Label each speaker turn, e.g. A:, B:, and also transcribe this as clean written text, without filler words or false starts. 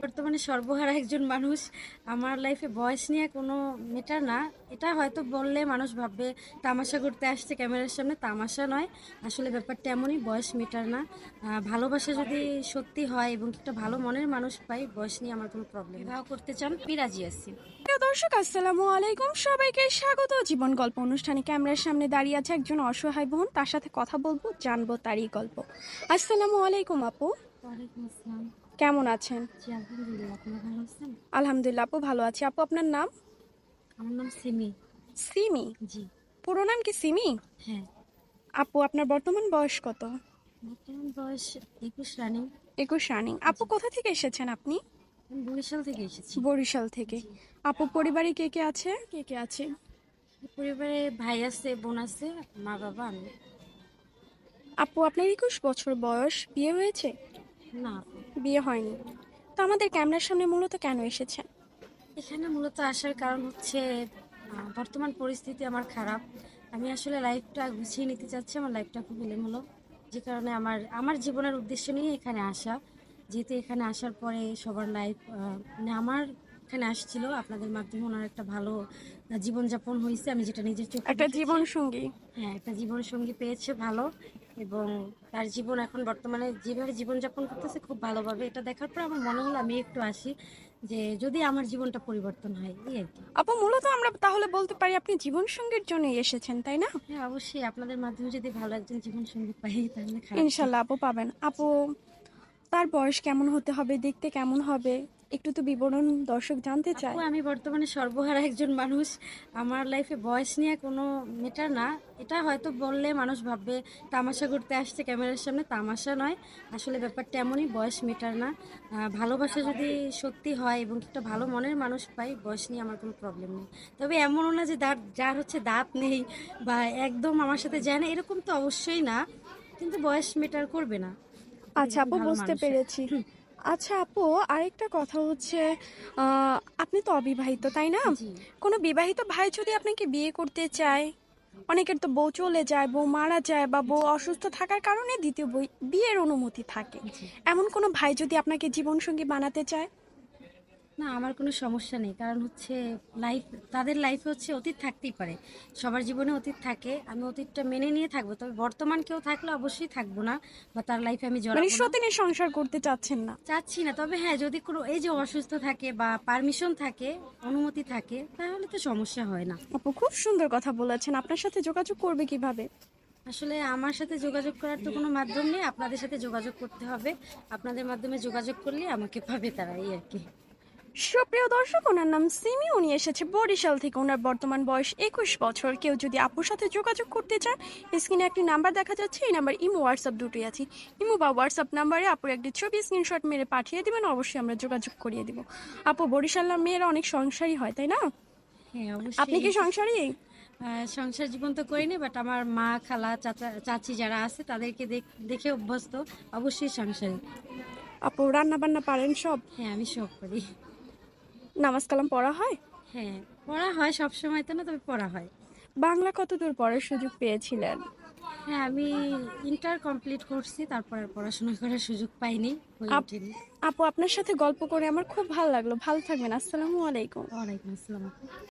A: বর্তমানে সর্বহারা একজন মানুষ। আমার লাইফে বয়স নিয়ে কোনো ম্যাটার না। এটা হয়তো বললে মানুষ ভাববে তামাশা করতে আসছে ক্যামেরার সামনে, তামাশা নয়। আসলে ব্যাপারটা এমনই, বয়স ম্যাটার না। ভালোবাসা যদি সত্যি হয় এবং একটা ভালো মনের মানুষ পাই, বয়স নিয়ে আমার কোনো প্রবলেম নেই। বিবাহ করতে চান, আমি রাজি আছি।
B: প্রিয় দর্শক, আসসালামু আলাইকুম। সবাইকে স্বাগত জীবন গল্প অনুষ্ঠানে। ক্যামেরার সামনে দাঁড়িয়ে আছে একজন অসহায় বোন, তার সাথে কথা বলবো, জানবো তারই গল্প। আসসালামু আলাইকুম আপু,
A: ওয়ালাইকুম আসসালাম।
B: কেমন আছেন?
A: জি আলহামদুলিল্লাহ, আপনি ভালো আছেন?
B: আলহামদুলিল্লাহ আপু, ভালো আছি। আপু আপনার নাম?
A: আমার নাম সিমি।
B: সিমি?
A: জি।
B: পুরো নাম কি সিমি?
A: হ্যাঁ।
B: আপু আপনার বর্তমান বয়স কত?
A: বর্তমান বয়স 21 রানিং।
B: 21 রানিং। আপু কোথা থেকে এসেছেন আপনি?
A: আমি বরিশাল থেকে এসেছি।
B: বরিশাল থেকে।
A: জি।
B: আপু পরিবারে কে কে আছে? কে কে আছে?
A: পরিবারে ভাই আছে, বোন আছে, মা বাবা, আমি।
B: আপু আপনার 21 বছর বয়স, বিয়ে হয়েছে?
A: না,
B: বিয়ে হয়নি। তো আমাদের ক্যামেরার সামনে মূলত কেন এসেছেন?
A: এখানে মূলত আসার কারণ হচ্ছে বর্তমান পরিস্থিতি আমার খারাপ। আমি আসলে লাইফটা গুছিয়ে নিতে চাচ্ছি, আমার লাইফটা খুব এলোমেলো। যে কারণে আমার আমার জীবনের উদ্দেশ্য নিয়ে এখানে আসা। যেহেতু এখানে আসার পরে সবার লাইফ, মানে আমার এখানে আসছিল আপনাদের মাধ্যমে, ওনার একটা ভালো জীবনযাপন হয়েছে, আমি যেটা নিজের চোখে
B: একটা
A: দেখেছি।
B: জীবন সঙ্গী।
A: হ্যাঁ, একটা জীবনসঙ্গী পেয়েছে ভালো, এবং তার জীবন এখন বর্তমানে যেভাবে জীবনযাপন করতেছে খুব ভালোভাবে। এটা দেখার পর আমার মনে হলো আমি একটু আসি, যে যদি আমার জীবনটা পরিবর্তন হয়, এই আর কি।
B: আপু মূলত আমরা তাহলে বলতে পারি আপনি জীবন সঙ্গীর জন্যই এসেছেন, তাই না?
A: হ্যাঁ, অবশ্যই আপনাদের মাধ্যমে যদি ভালো একজন জীবনসঙ্গী পাই তাহলে খারাপ কি?
B: ইনশাল্লাহ আপু পাবেন। আপু তার বয়স কেমন হতে হবে, দেখতে কেমন হবে, একটু তো বিবরণ দর্শক জানতে
A: আপু,
B: চায়।
A: আমি বর্তমানে সর্বহারা একজন মানুষ। আমার লাইফে বয়স নিয়ে কোনো ম্যাটার না। এটা হয়তো বললে মানুষ ভাববে তামাশা করতে আসছে ক্যামেরার সামনে, তামাশা নয়। আসলে ব্যাপারটা এমনই, বয়স ম্যাটার না। ভালোবাসা যদি সত্যি হয় এবং একটা ভালো মনের মানুষ পাই, বয়স নিয়ে আমার কোনো প্রবলেম নেই। তবে এমনও না যে যার হচ্ছে দাঁত নেই বা একদম আমার সাথে যায় না, এরকম তো অবশ্যই না। কিন্তু বয়স ম্যাটার করবে না যদি
B: আচ্ছা
A: একজন
B: আপু,
A: ভালো
B: বুঝতে
A: মানুষ হয়।
B: পেরেছি। আচ্ছা আপু, আরেকটা কথা হচ্ছে, আপনি তো অবিবাহিত, তাই না?
A: জি।
B: কোনো বিবাহিত ভাই যদি আপনাকে বিয়ে করতে চায়, অনেকের তো বউ চলে যায়, বউ মারা যায়, বা বউ অসুস্থ থাকার কারণে দ্বিতীয় বিয়ের অনুমতি থাকে।
A: জি।
B: এমন কোনো ভাই যদি আপনাকে জীবনসঙ্গী বানাতে চায়?
A: না, আমার কোনো সমস্যা নেই। কারণ হচ্ছে লাইফ, তাদের লাইফে হচ্ছে অতীত থাকতেই পারে। সবার জীবনে অতীত থাকে। আমি অতীতটা মেনে নিয়ে থাকবো। তবে বর্তমান কেউ থাকলে অবশ্যই থাকবো না, বা তার লাইফে আমি
B: মানে
A: জড়াবো না।
B: সতীনের সংসার করতে চাচ্ছেন না?
A: চাচ্ছি না। তবে হ্যাঁ, যদি কোনো এই যে অসুস্থ থাকে বা পারমিশন থাকে, অনুমতি থাকে, তাহলে তো সমস্যা হয় না।
B: আপু খুব সুন্দর কথা বলেছেন। আপনার সাথে যোগাযোগ করবে কিভাবে?
A: আসলে আমার সাথে যোগাযোগ করার তো কোনো মাধ্যম নেই, আপনাদের সাথে যোগাযোগ করতে হবে। আপনাদের মাধ্যমে যোগাযোগ করলে আমাকে পাবে তারা, এই আর কি।
B: সুপ্রিয় দর্শক, ওনার নাম সিমি, উনি এসেছে বরিশাল থেকে। ওনার বর্তমান বয়স 21 বছর। কেউ যদি আপুর সাথে যোগাযোগ করতে চান, স্ক্রিনে একটি নাম্বার দেখা যাচ্ছে, এই নাম্বার ইমো হোয়াটসঅ্যাপ দুটোই আছে। ইমো বা হোয়াটসঅ্যাপ নাম্বারে আপুর একটি ছবি স্ক্রিনশট মেরে পাঠিয়ে দিবেন, অবশ্যই আমরা যোগাযোগ করিয়ে দিব। আপু বরিশালের মেয়েরা অনেক সংসারী হয়, তাই না?
A: হ্যাঁ,
B: আপনি
A: অবশ্যই।
B: কি সংসারী?
A: সংসার জীবন তো করিনি, বাট আমার মা, খালা, চাচা, চাচি যারা আছে তাদেরকে দেখে অভ্যস্ত। অবশ্যই সংসারী।
B: আপু রান্না বান্না পারেন সব?
A: হ্যাঁ, আমি সব করি।
B: নামাজ কালাম পড়া হয়?
A: হ্যাঁ, পড়া হয়, সব সময় তো না, তবে পড়া হয়।
B: বাংলা কতদূর পড়ার সুযোগ পেয়েছিলেন?
A: হ্যাঁ, আমি ইন্টার কমপ্লিট করছি, তারপর আর পড়াশোনা করার সুযোগ পাইনি, হয়ে
B: আপ
A: ওঠেনি।
B: আপু আপনার সাথে গল্প করে আমার খুব ভালো লাগলো। ভালো থাকবেন। আসসালামু আলাইকুম।
A: ওয়ালাইকুম আসসালাম।